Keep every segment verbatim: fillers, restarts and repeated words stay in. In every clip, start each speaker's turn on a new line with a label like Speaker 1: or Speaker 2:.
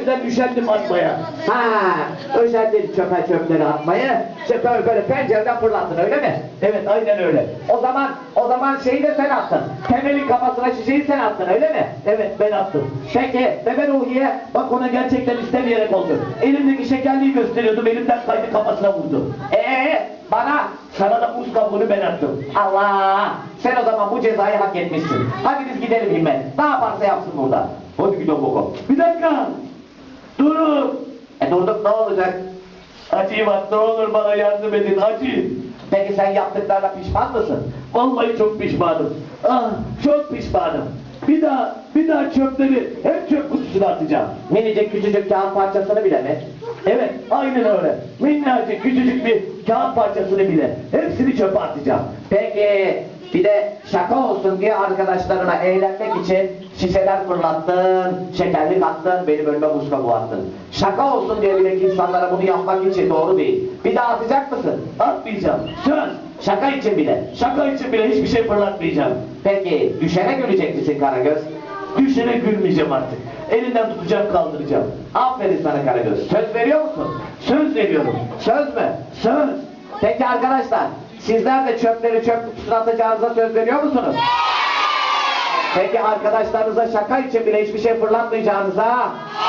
Speaker 1: yüzden üşendim atmaya.
Speaker 2: Ha, özendim çöpe çöpleri atmayı. Çöpe böyle pencereden fırlattın öyle mi?
Speaker 1: Evet, aynen öyle.
Speaker 2: O zaman, o zaman şeyi de sen attın. Temelin kafasına şişeyi sen attın öyle mi?
Speaker 1: Evet, ben attım.
Speaker 2: Peki,
Speaker 1: Bebe Ruhiye, bak ona gerçekten istemeyerek oldu. Elimdeki şekerliği gösteriyordum, elimden kaydı kafasına vurdu.
Speaker 2: Ee, bana
Speaker 1: Sana da muz kabuğunu ben attım.
Speaker 2: Allah! Sen o zaman bu cezayı hak etmişsin. Hadi biz gidelim Himmet. Ne yaparsa yapsın burada.
Speaker 1: Hadi gidelim bakalım. Bir dakika! Durun!
Speaker 2: E durduk ne olacak?
Speaker 1: Acıyım at, ne olur bana yardım edin, acıyım.
Speaker 2: Peki sen yaptıklarına pişman mısın?
Speaker 1: Vallahi çok pişmanım. Ah, çok pişmanım. Bir daha, bir daha çöpleri hep çöp kutusuna atacağım.
Speaker 2: Minicik küçücük kağıt parçasını bile mi?
Speaker 1: Evet, aynen öyle. Minnacık, küçücük bir kağıt parçasını bile hepsini çöpe atacağım.
Speaker 2: Peki bir de şaka olsun diye arkadaşlarına eğlenmek için şişeler fırlattın, şekerlik attın, benim önüme buz kabuğu attın. Şaka olsun diye bile insanlara bunu yapmak için doğru değil. Bir daha atacak mısın?
Speaker 1: Atmayacağım. Söz.
Speaker 2: Şaka için bile.
Speaker 1: Şaka için bile hiçbir şey fırlatmayacağım.
Speaker 2: Peki düşene gülecek misin Karagöz?
Speaker 1: Düşene gülmeyeceğim artık. Elinden tutacağım, kaldıracağım.
Speaker 2: Aferin sana Karagöz. Söz veriyor musun?
Speaker 1: Söz veriyorum.
Speaker 2: Söz mü?
Speaker 1: Söz.
Speaker 2: Peki arkadaşlar, sizler de çöpleri çöp kutusuna atacağınıza söz veriyor musunuz? Peki arkadaşlarınıza şaka için bile hiçbir şey fırlatmayacağınıza?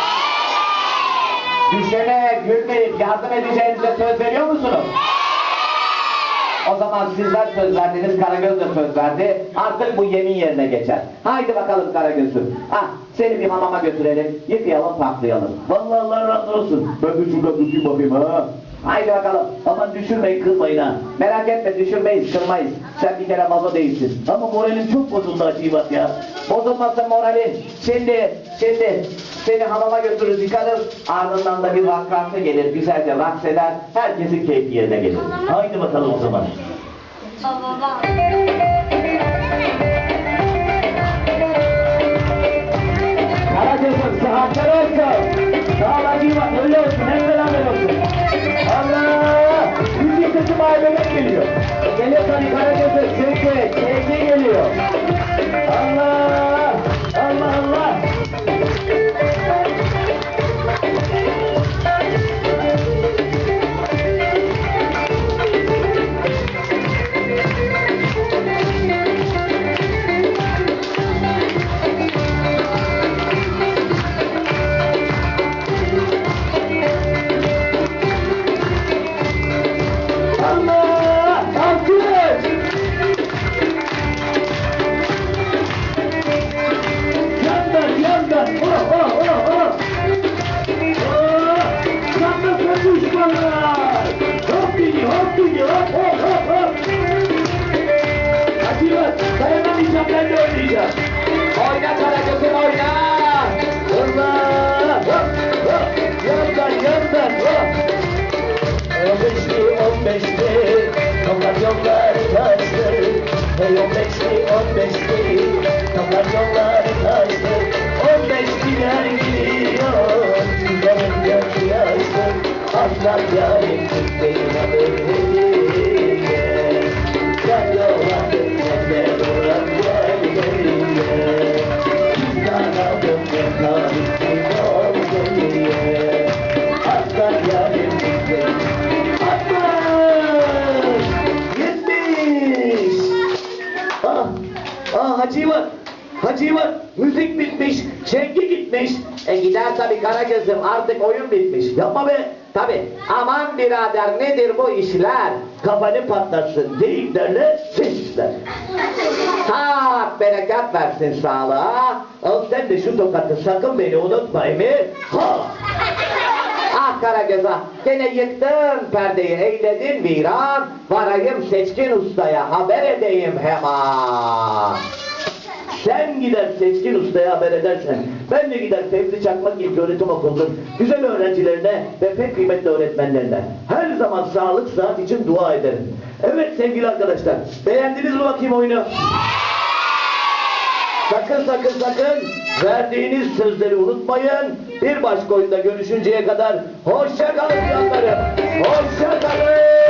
Speaker 2: Düşene gülmeyip yardım edeceğinize söz veriyor musunuz? O zaman sizler söz verdiniz, Karagöz de söz verdi. Artık bu yemin yerine geçer. Haydi bakalım Karagöz'üm. Ah, seni bir hamama götürelim, yıkayalım, paklayalım.
Speaker 1: Vallahi Allah razı olsun. Ben de şurada tutayım bakayım ha.
Speaker 2: Haydi bakalım.
Speaker 1: Aman düşürmeyin, kırmayın ha.
Speaker 2: Merak etme, düşürmeyiz, kırmayız. Sen bir kere vazo değilsin.
Speaker 1: Ama moralim çok bozuldu Acıbat ya.
Speaker 2: Bozulmasın moralin. Şimdi, şimdi seni hamama götürürüz, yıkarız. Ardından da bir vakkansı gelir, güzelce raks eder. Herkesin keyfi yerine gelir.
Speaker 1: Haydi bakalım o zaman. Karagöz'üm sıhhatler olsun. Sağ ol Acıbat, öyle olsun, hep beraber olsun. Allah! Müzik sesi mahalleden geliyor.
Speaker 2: Geliyor tabii Karagöz'üm, çünkü sevgi geliyor.
Speaker 1: Allah! Allah Allah! Allah! Alkış! Yandan, yandan! Oh, oh, oh, oh! Oh! Yandan konuşmalar! Hop dedi, hop dedi, hop, hop, hop, hop! Acıvat, dayanamayacağım, ben de oynayacağım.
Speaker 2: Oyna Karagöz'üm, oyna!
Speaker 1: Allah! Hop, hop! Yandan, yandan, hop! On beşli, on beşli, toplar yollar taştı. Hey on beşli, on beşli, toplar yollar taştı. On beşliler gidiyor, yarın göz yaşlı. Aslan yarim benim adım hediye. Sen dolandın, sen de duran gel benimle. Bizden aldım, ben tarihim oldum diye. Aslan yarim benim. Yetmiş! Ah, ah Hacıvat, Hacıvat, müzik bitmiş, çengi gitmiş.
Speaker 2: E gider tabii Karagöz'üm, artık oyun bitmiş.
Speaker 1: Yapma be,
Speaker 2: Tabii. Aman birader, nedir bu işler?
Speaker 1: kafanı patlatsın, deyiklerle sesler.
Speaker 2: Tak bereket versin sağlığa.
Speaker 1: Al sen de şu tokatı, sakın beni unutma Emir. Ha!
Speaker 2: Ah Karagöz ah, gene yıktın perdeyi, eyledin viran. Varayım Seçkin Usta'ya, haber edeyim hemen.
Speaker 1: Sen gider Seçkin Usta'ya haber edersen, ben de gider Fevzi Çakmak İlköğretim Okulu'nun güzel öğrencilerine ve pek kıymetli öğretmenlerine her zaman sağlık, sıhhat için dua ederim. Evet sevgili arkadaşlar, beğendiniz mi bakayım oyunu? Sakın sakın sakın verdiğiniz sözleri unutmayın. Bir başka oyunda görüşünceye kadar hoşça kalın canlarım. Hoşça kalın.